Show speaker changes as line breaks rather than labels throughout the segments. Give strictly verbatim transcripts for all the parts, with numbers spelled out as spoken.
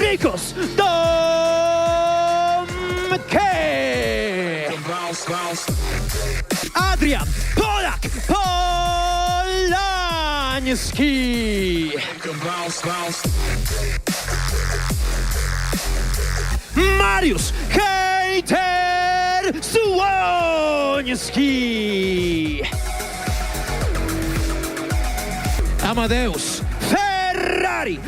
Patrykus Domke! Adrian Polak Polański! Mariusz Hejter Słoński! Amadeusz Ferrari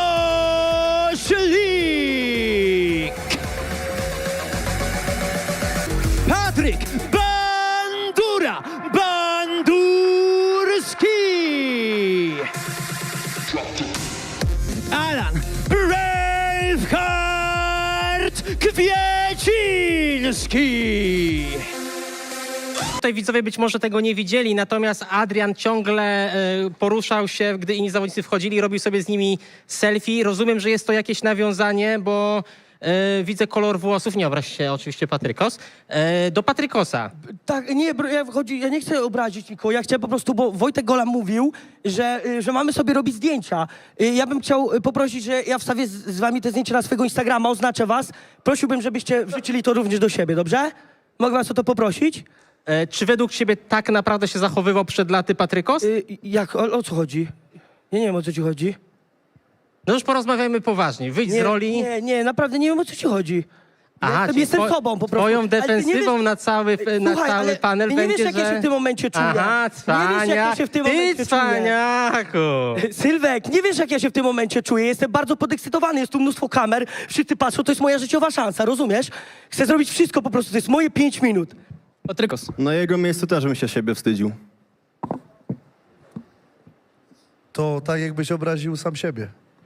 Roślik! Patryk Bandura Bandurski! Alan Braveheart Kwieciński!
Tutaj widzowie być może tego nie widzieli, natomiast Adrian ciągle y, poruszał się, gdy inni zawodnicy wchodzili, robił sobie z nimi selfie. Rozumiem, że jest to jakieś nawiązanie, bo y, widzę kolor włosów, nie obraź się oczywiście Patrykos, y, do Patrykosa.
Tak, nie, bro, ja, chodzi, ja nie chcę obrazić nikogo, ja chciałem po prostu, bo Wojtek Gola mówił, że, y, że mamy sobie robić zdjęcia. Y, Ja bym chciał y, poprosić, że ja wstawię z, z wami te zdjęcia na swojego Instagrama, oznaczę was. Prosiłbym, żebyście wrzucili to również do siebie, dobrze? Mogę was o to poprosić?
Y, czy według ciebie tak naprawdę się zachowywał przed laty Patrykos?
Y, jak, o, o co chodzi? Ja nie wiem, o co ci chodzi.
No już porozmawiajmy poważnie, wyjdź
Nie,
z roli.
nie, nie, naprawdę nie wiem, o co ci chodzi.
Aha,
Jestem,
czyli
jestem
two-
sobą po prostu.
Twoją
Ale ty nie
defensywą
wiesz-
na cały, na
Słuchaj,
cały
ale
panel
ty nie
będzie,
wiesz, jak
że...
ja się w tym momencie czuję.
Aha,
Nie wiesz, jak ja
cwania,
się w tym
ty
momencie czuję.
cwaniaku!
Sylwek, nie wiesz, jak ja się w tym momencie czuję. Jestem bardzo podekscytowany, jest tu mnóstwo kamer, wszyscy patrzą, to jest moja życiowa szansa, rozumiesz? Chcę zrobić wszystko po prostu, to jest moje pięć minut.
Patrykos.
Na jego miejscu też bym się siebie wstydził.
To tak jakbyś obraził sam siebie.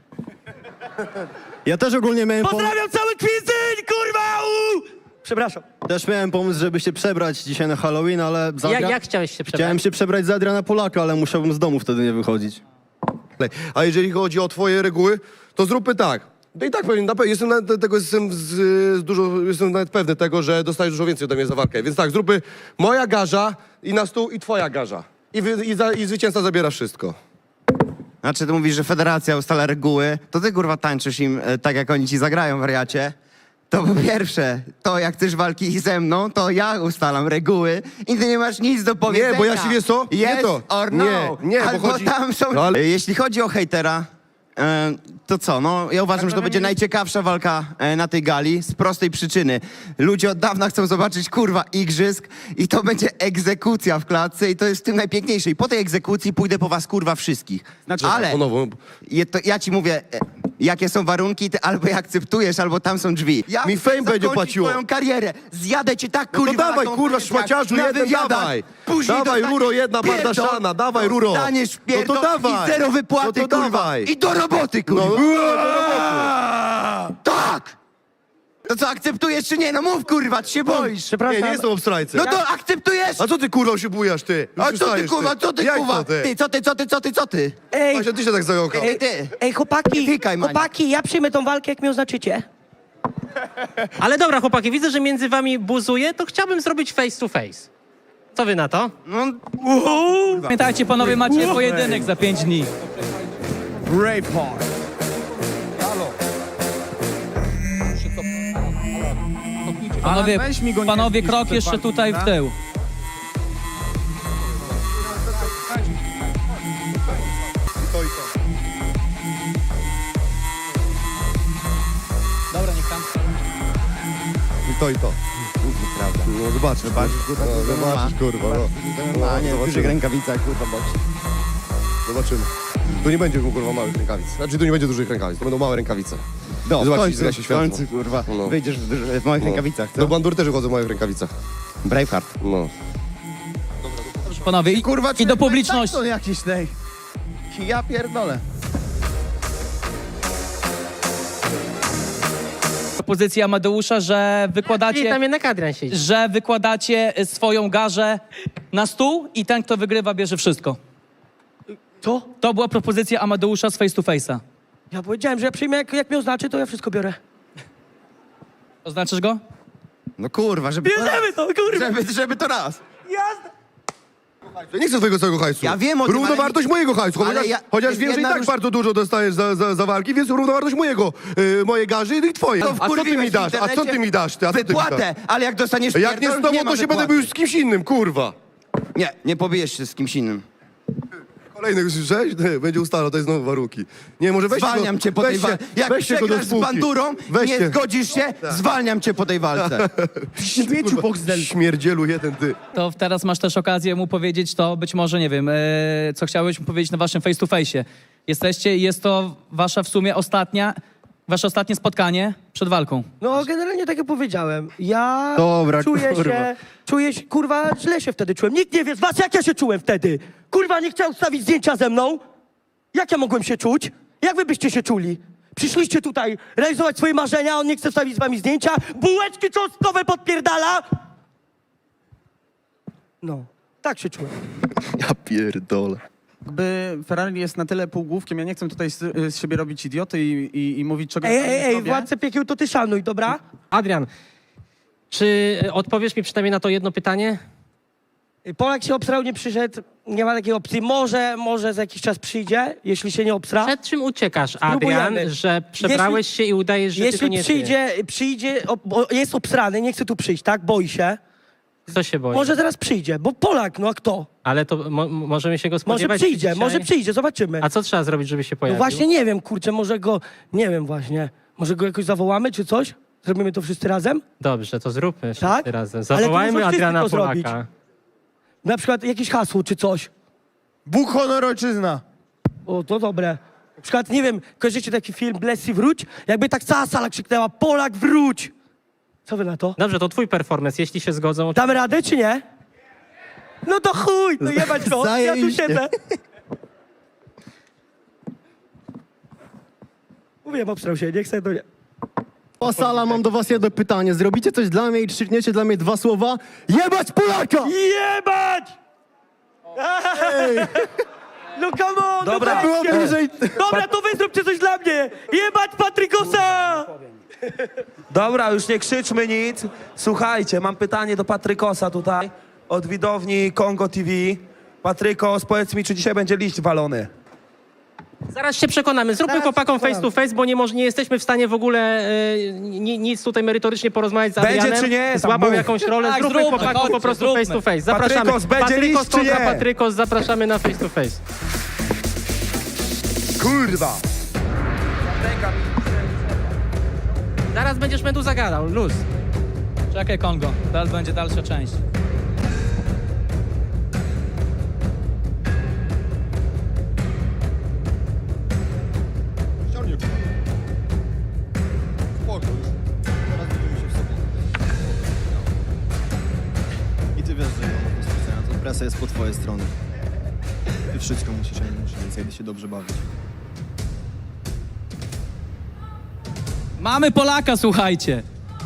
Ja też ogólnie miałem, pom-
Pozdrawiam cały kwizyń, kurwa! U! Przepraszam.
też miałem pomysł, żeby się przebrać dzisiaj na Halloween, ale za
Jak,
Adria-
jak chciałeś się przebrać?
Chciałem się przebrać za Adriana Polaka, ale musiałbym z domu wtedy nie wychodzić.
A jeżeli chodzi o twoje reguły, to zróbmy tak. No i tak pewnie, na pewno jestem nawet tego, jestem z, z dużo, jestem nawet pewny tego, że dostajesz dużo więcej ode mnie za walkę. Więc tak, zróbmy moja garza i na stół i twoja garza. I, wy, i, za, i zwycięzca zabiera wszystko.
Znaczy, ty mówisz, że federacja ustala reguły, to ty, kurwa, tańczysz im e, tak, jak oni ci zagrają, wariacie. To po pierwsze, to jak chcesz walki ze mną, to ja ustalam reguły i ty nie masz nic do powiedzenia.
Nie, bo ja się, wiesz co? Nie
Yes
to.
or no.
Nie, nie, bo
Albo
chodzi-
tam są...
No, ale-
E, Jeśli chodzi o hejtera, e, to co, no ja uważam, że to będzie najciekawsza walka e, na tej gali z prostej przyczyny. Ludzie od dawna chcą zobaczyć, kurwa, igrzysk i to będzie egzekucja w klatce i to jest w tym najpiękniejsze. I po tej egzekucji pójdę po was, kurwa, wszystkich.
Znaczy,
Ale
ponownie.
je, to, ja ci mówię, e, jakie są warunki, ty albo je akceptujesz, albo tam są drzwi. Ja
Mi
chcę
fame będzie
zakończyć
płaciło.
twoją karierę. Zjadę cię tak,
No to
kurwa, na
dawaj, kurwa,
konferencjach,
szmaciarzu,
na
jeden
wywiadach.
dawaj.
Później
Dawaj,
dostaniesz
Ruro, jedna
pierdol,
bardaszana, dawaj, Ruro.
Dostaniesz
No to
pierdol
dawaj.
i zero wypłaty,
No to
kurwa.
dawaj.
I do roboty, kurwa.
No,
Tak! To co, akceptujesz czy nie? No mów, kurwa, ty się boisz.
Przepraszam.
nie, nie jestem obstrajcem.
No to akceptujesz!
A co ty, kurwa, się bujasz, ty? Już
A co ty,
przystajesz,
kurwa, co ty,
Jak
kurwa?
to, ty?
Ty, co ty, co ty, co ty, co ty?
Ej,
Właśnie ty się tak zająkał.
Ej, ty.
ej, chłopaki,
Tykaj, Maniek.
chłopaki, ja przyjmę tą walkę, jak mnie oznaczycie.
Ale dobra, chłopaki, widzę, że między wami buzuje, to chciałbym zrobić face to face. Co wy na to?
No,
Pamiętajcie, panowie, macie pojedynek za pięć dni. Panowie, panowie, krok jeszcze tutaj w tył. Dobra, niech tam.
I to, i to.
prawda.
No zobaczysz,
Zobaczysz, kurwa,
no,
co
zobaczysz, kurwa, no.
No, a nie, w
zobaczymy.
dużych rękawicach, kurwa, boks.
Zobaczymy. Tu nie będzie, kurwa, małych rękawic. Znaczy, tu nie będzie dużych rękawic, to będą małe rękawice.
No, w
Zobaczysz,
końcu,
zgaśnie
w
światło.
końcu, kurwa,
No.
wyjdziesz w, duży- w małych
No.
rękawicach, co?
Do bandur też chodzą w małych rękawicach.
Braveheart.
No.
Panowie, i,
Kurwa,
i do publiczności.
To jakiś tej. Ja pierdolę.
Propozycja Amadeusza, że
Czyli
wykładacie,
tam jednak Adrian siedzi.
że wykładacie swoją garzę na stół i ten, kto wygrywa, bierze wszystko.
Co?
To była propozycja Amadeusza z face to face'a.
Ja powiedziałem, że ja przyjmę, jak, jak mnie oznaczy, to ja wszystko biorę.
Oznaczysz go?
No kurwa, żeby to raz.
Bierzemy to, kurwa!
Żeby, żeby to raz.
Jasne!
Ja nie chcę twojego całego hajsu.
Ja wiem o tym,
Równowartość
ale-
mojego hajsu,
ale
chociaż,
ja-
chociaż
jest
wiem, że i
jedna
tak
róż-
bardzo dużo dostajesz za, za, za walki, więc równowartość mojego, y, mojej garzy i twojej.
To
A co ty
wkurwiłeś
mi
w
dasz? A co
internecie
ty mi dasz? Ty? A co ty mi dasz?
Wypłatę, ale jak dostaniesz
Jak nie
pierdol,
z tobą,
ma
to się będę
wypłaty.
bił z kimś innym, kurwa.
Nie, nie pobijesz się z kimś innym.
Kolejny słyszałeś? Nie, będzie ustalał, to jest znowu warunki. Nie, może weź
Zwalniam cię po tej
weźcie-
walce. Jak
weźcie go do
przegrasz z
spółki.
bandurą,
Weźcie.
nie zgodzisz się, zwalniam cię po tej walce.
Śmieciu Boxdel.
Śmierdzielu jeden, ty.
To teraz masz też okazję mu powiedzieć to, być może, nie wiem, e, co chciałeś mu powiedzieć na waszym face to face. Jesteście i jest to wasza w sumie ostatnia, wasze ostatnie spotkanie przed walką.
No generalnie tak jak powiedziałem, ja
Dobra,
czuję
kurwa.
się, czuję się, kurwa, źle się wtedy czułem. Nikt nie wie z was, jak ja się czułem wtedy. Kurwa, nie chciał stawić zdjęcia ze mną. Jak ja mogłem się czuć? Jak wy byście się czuli? Przyszliście tutaj realizować swoje marzenia, a on nie chce wstawić z wami zdjęcia, bułeczki cząstkowe podpierdala. No, tak się czułem.
Ja pierdolę.
Jakby Ferrari jest na tyle półgłówkiem, ja nie chcę tutaj z, z siebie robić idioty i, i, i mówić czego
Ej,
ja
ej,
nie
ej,
zrobię.
władcę piekieł to ty szanuj, dobra?
Adrian, czy odpowiesz mi przynajmniej na to jedno pytanie?
Polak się obsrał, nie przyszedł, nie ma takiej opcji. Może, może za jakiś czas przyjdzie, jeśli się nie obsra.
Przed czym uciekasz, Adrian,
Spróbujemy.
że przebrałeś się i udajesz, że ty to
Jeśli
nie
przyjdzie, przyjdzie, o, bo jest obsrany, nie chce tu przyjść, tak? Boi się.
Ty. Kto się boi?
Może zaraz przyjdzie, bo Polak, no a kto?
Ale to mo możemy się go
Może
spodziewać
przyjdzie,
dzisiaj?
może przyjdzie, zobaczymy.
A co trzeba zrobić, żeby się
No
pojawił?
właśnie nie wiem, kurczę, może go, nie wiem właśnie, może go jakoś zawołamy czy coś? Zrobimy to wszyscy razem?
Dobrze, to zróbmy wszyscy
Tak?
razem.
Ale to
Zawołajmy
muszą wszyscy
Adriana
to zrobić.
Polaka.
Na przykład jakieś hasło czy coś.
Bóg, honor, ojczyzna.
O, to dobre. Na przykład, nie wiem, kojarzycie taki film Blessy wróć? Jakby tak cała sala krzyknęła, Polak wróć! Co wy na to?
Dobrze, to twój performance, jeśli się zgodzą.
Damy radę czy nie? No to chuj, to jebać to, ja tu
Zajebiście.
siedzę. Mówiłem, obstrał się, nie chcę, to nie.
O sala, mam do was jedno pytanie. Zrobicie coś dla mnie i krzykniecie dla mnie dwa słowa? Jebać Polaka!
Jebać! No come on,
Dobra,
no
Było
weźcie.
bliżej.
Dobra, to wy zróbcie coś dla mnie! Jebać Patrykosa!
Dobra, już nie krzyczmy nic. Słuchajcie, mam pytanie do Patrykosa tutaj, od widowni Kongo T V. Patrykos, powiedz mi, czy dzisiaj będzie liść walony?
Zaraz się przekonamy. Zróbmy
Zaraz
chłopakom
się
face to face, bo nie, moż- nie jesteśmy w stanie w ogóle e, ni, nic tutaj merytorycznie porozmawiać z
Będzie
Adrianem.
czy nie? Tam
Złapał
mów.
jakąś rolę.
Tak,
zróbmy
zróbmy,
chłopakom po
chodźcie,
prostu
zróbmy.
face to face. Zapraszamy.
Patrykos, będzie
Patrykos
liść czy
kontra
nie?
Patrykos, zapraszamy na face to face.
Kurwa!
Zaraz będziesz Meduza gadał, luz.
Czekaj, Kongo, teraz będzie dalsza część.
I ty wiesz, że ja mam to presja jest po twojej stronie. Ty wszystko musisz, ja nie muszę, więc jedę się dobrze bawić.
Mamy Polaka, słuchajcie.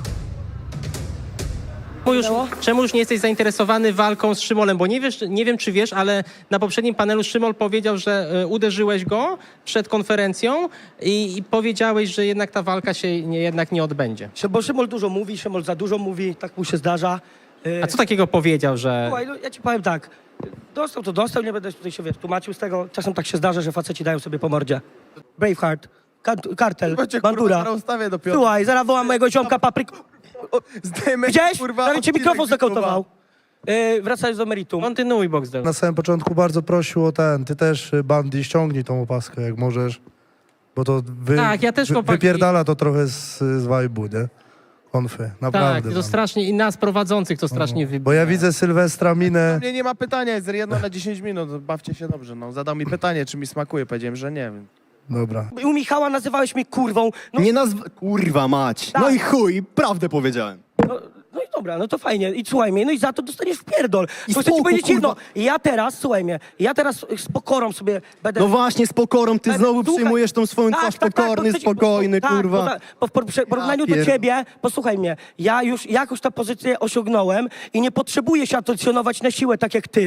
Czemu już, czemu już nie jesteś zainteresowany walką z Szymolem? Bo nie, wiesz, nie wiem, czy wiesz, ale na poprzednim panelu Szymol powiedział, że e, uderzyłeś go przed konferencją i, i powiedziałeś, że jednak ta walka się nie, jednak nie odbędzie.
Bo Szymol dużo mówi, Szymol za dużo mówi, tak mu się zdarza. Y,
A co takiego powiedział, że...
Słuchaj, no, ja ci powiem tak, dostał to dostał, nie będę tutaj się wiesz, tłumaczył z tego. Czasem tak się zdarza, że faceci dają sobie po mordzie. Braveheart, Kant- kartel, bandura.
ustawię dopiero.
Słuchaj, zaraz wołam mojego ziomka papryk.
Zdejmę,
Widziałeś? Prawie ci mikrofon zakautował. Yy, wracając do meritum.
Kontynuuj, Boxdel.
Na samym początku bardzo prosił o ten, ty też, y, Bandy, ściągnij tą opaskę, jak możesz. Bo to wy,
Tak, ja też,
wy,
chłopaki.
wypierdala to trochę z, z vibe'u, nie? Konfy,
Tak,
naprawdę.
to
tam.
strasznie, i nas prowadzących to strasznie wybija.
Bo ja widzę Sylwestra minę.
Mnie nie ma pytania, jest jedno na dziesięć minut, bawcie się dobrze. No, zadał mi pytanie, czy mi smakuje, powiedziałem, że nie wiem.
Dobra.
U Michała nazywałeś mnie kurwą. No,
Nie nazw... Kurwa mać. No
Tak.
i chuj, prawdę powiedziałem.
no, no i dobra, no to fajnie. I słuchaj mnie, no i za to dostaniesz w pierdol.
I
To chcę ci
spoko,
powiedzieć jedno.
kurwa.
Ja teraz, słuchaj mnie, ja teraz z pokorą sobie będę...
No właśnie, z pokorą, ty
Będę-
znowu
słuchaj.
przyjmujesz tą swoją
Tak,
twarz
tak, tak,
pokorny,
to chcę ci-
spokojny,
tak,
kurwa.
Bo, bo w por- przy- porównaniu do
pierd-
ciebie, posłuchaj mnie, ja już jakoś tę pozycję osiągnąłem i nie potrzebuję się atacjonować na siłę tak jak ty.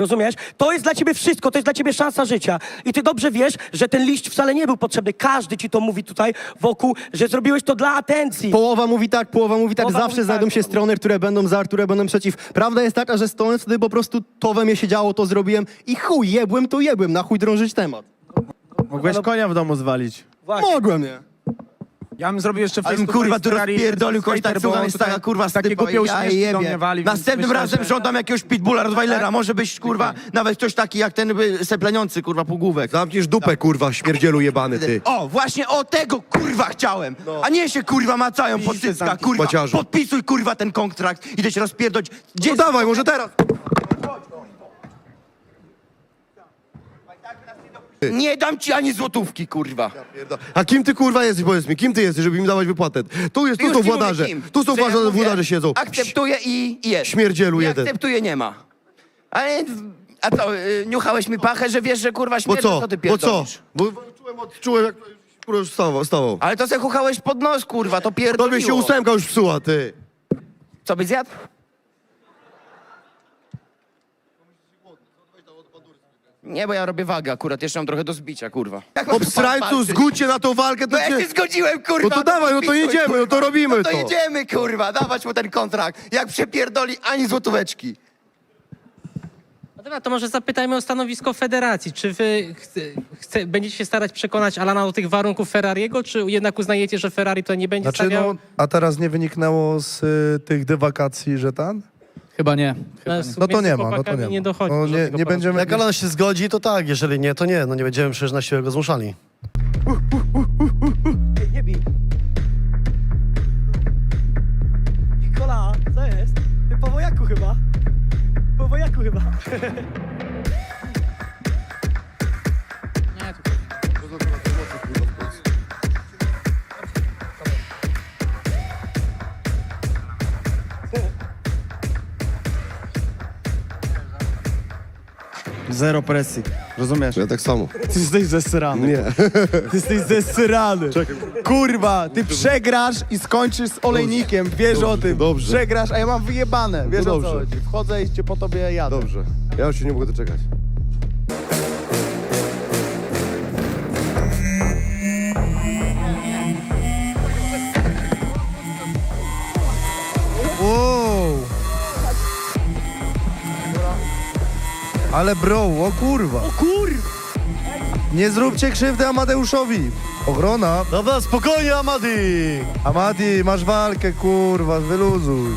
Rozumiesz? To jest dla ciebie wszystko, to jest dla ciebie szansa życia. I ty dobrze wiesz, że ten liść wcale nie był potrzebny. Każdy ci to mówi tutaj wokół, że zrobiłeś to dla atencji.
Połowa mówi tak, połowa mówi tak.
Połowa
Zawsze
mówi
znajdą
tak.
się strony, które będą za, które będą przeciw. Prawda jest taka, że stołem wtedy po prostu to we mnie się działo, to zrobiłem i chuj, jebłem to jebłem, na chuj drążyć temat.
Mogłeś konia w domu zwalić.
Właśnie.
Mogłem, nie?
Ja bym zrobił jeszcze
Ale bym
face to
kurwa
face
tu
Ferrari
rozpierdolił kogoś tak
skater, bo
słucham,
on
jest
tutaj
taka kurwa
takie
stypa
głupie
i ja
uśmieszki do mnie
jebie.
wali, więc
Następnym
myślę,
razem
że-
żądam jakiegoś pitbulla Rottweilera, może być kurwa nawet ktoś taki jak ten by, sepleniący kurwa półgłówek.
Zamkniesz dupę, kurwa, śmierdzielu jebany, ty.
O, właśnie o tego kurwa chciałem, a nie się kurwa macają po cyckach, kurwa,
Maciarzu.
podpisuj kurwa ten kontrakt, idę się rozpierdolić. Gdzie
No dawaj, może teraz.
Nie dam ci ani złotówki, kurwa.
A kim ty, kurwa, jesteś, powiedz mi, kim ty jesteś, żeby mi dawać wypłatę? Tu jest, tu
Już
są
ci mówię
władarze,
kim.
tu są
Że ja
władarze,
mówię,
władarze siedzą.
Akceptuję i, i jest.
Śmierdzielu
nie
jeden.
akceptuję, nie ma. Ale, a co, y, niuchałeś mi pachę, że wiesz, że kurwa
Bo
śmierdzę,
co?
co ty
Bo co?
pierdolisz?
Bo czułem, od- czułem jak kurwa już stawał, stawał.
Ale to se chuchałeś pod nos, kurwa, to pierdoliło.
Tobie się ósemka już psuła, ty.
Co byś zjadł? Nie, bo ja robię wagę akurat, jeszcze mam trochę do zbicia, kurwa. Jak mam
Obsrańcu,
walczyć?
zgódźcie na tą walkę, to
No ja
cię...
się zgodziłem, kurwa.
No to dawaj, no to
podpisuj,
jedziemy, no to
kurwa.
robimy
no to.
to.
jedziemy, kurwa, dawać mu ten kontrakt. Jak przepierdoli, ani złotóweczki.
No dobra, to może zapytajmy o stanowisko federacji. Czy wy chce, chce, będziecie się starać przekonać Alana do tych warunków Ferrariego, czy jednak uznajecie, że Ferrari to nie będzie
Znaczy,
stawiał?
no, a teraz nie wyniknęło z y, tych dywakacji, że ten?
Chyba nie.
No to nie ma, no to nie ma.
nie dochodzi
No
do
nie,
tego
nie
porozumienia.
będziemy...
Jak Alan się zgodzi, to tak, jeżeli nie, to nie. No nie będziemy przecież na siłę go zmuszali.
Ej, nie bij. Nikola, co jest? Ty po wojaku chyba. Po wojaku chyba.
Zero presji. Rozumiesz?
Ja tak samo.
Ty jesteś zesrany.
Nie.
Ty jesteś zesrany. Kurwa, ty przegrasz i skończysz z olejnikiem. Wiesz
Dobrze,
o tym.
dobrze.
Przegrasz, a ja mam wyjebane. Wiesz
No
o co
dobrze.
chodzi. Wchodzę i cię po tobie jadę.
Dobrze. Ja już się nie mogę doczekać.
Wow. Ale bro, o kurwa. O kurwa. Nie zróbcie krzywdy Amadeuszowi. Ochrona.
Dobra, spokojnie, Amadi!
Amadi, masz walkę, kurwa, wyluzuj.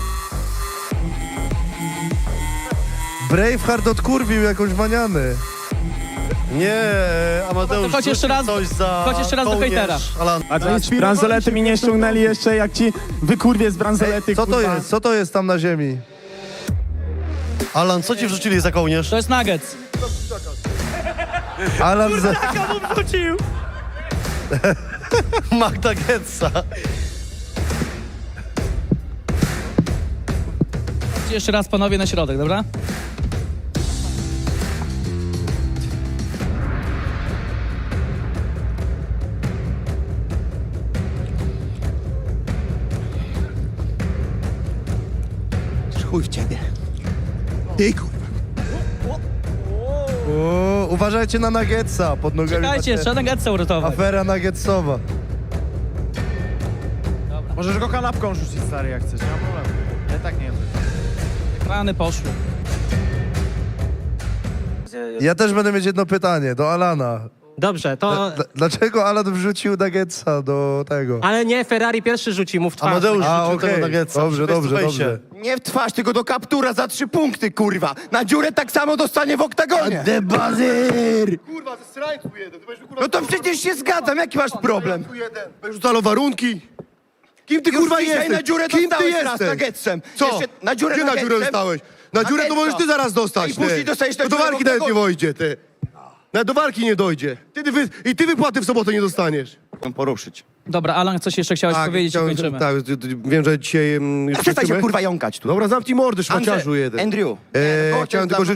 Braveheart odkurwił jakąś manianę.
Nie, Amadeusz,
Chodź jeszcze raz-
coś za
chodź jeszcze raz do
kołnierz,
hejtera.
Alan.
A to jest bransolety mi nie ściągnęli jeszcze, jak ci wykurwie z bransolety,
Co to
kurwa.
jest? Co to jest tam na ziemi?
Alan, co ci wrzucili za kołnierz?
To jest nuggets.
Alan za...
Magda Getza.
Chodźcie jeszcze raz panowie na środek, dobra?
Chuj w ciebie. Ty, kurwa.
O, uważajcie na nuggetsa, pod nogami
Czekajcie,
macie
trzeba nuggetsy uratować.
afera nuggetsowa.
Możesz go kanapką rzucić, stary, jak chcesz. Nie ma problemu. Ja tak nie wiem.
Ekrany poszły.
Ja też będę mieć jedno pytanie do Alana.
Dobrze, to...
Dl- Dlaczego Alan wrzucił nuggetsa do tego?
Ale nie, Ferrari pierwszy rzuci mu w twarz.
Amadeusz
A,
rzucił
okej.
tego Nuggetsa.
Dobrze,
Face to
dobrze,
face'ie.
dobrze.
Nie w twarz, tylko do kaptura za trzy punkty, kurwa. Na dziurę tak samo dostanie w oktagonie. Debazyr!
Kurwa, ze srańcu jeden. Ty będziesz, kurwa,
No to przecież się zgadzam, jaki masz problem?
jeden. Będziesz rzucalo warunki? Kim ty, kurwa,
Już dzisiaj
jesteś?
na dziurę
Kim ty
dostałeś raz
jesteś?
nuggetsem.
Co?
Jeszcze na dziurę
Gdzie na
nuggetsem?
dziurę dostałeś? Na dziurę to
Nuggetsa.
możesz ty zaraz dostać,
I później
ty.
dostajesz na
No do
dziurę
walki
w
nawet nie
oktagonie.
wojdzie, ty. Nawet do walki nie dojdzie. Ty, ty wy, I ty wypłaty w sobotę nie dostaniesz.
Poruszyć.
Dobra, Alan, coś jeszcze chciałeś powiedzieć i
chciałem-
kończymy.
tak, ty- ty- wiem, że dzisiaj... mm, już
Przestań się
kończymy.
kurwa jąkać tu.
Dobra, zamknij mordę, szmaciarzu
Andrzej,
jeden.
Andrew.
E,
Nie, no,
chciałem
to
tylko,
jest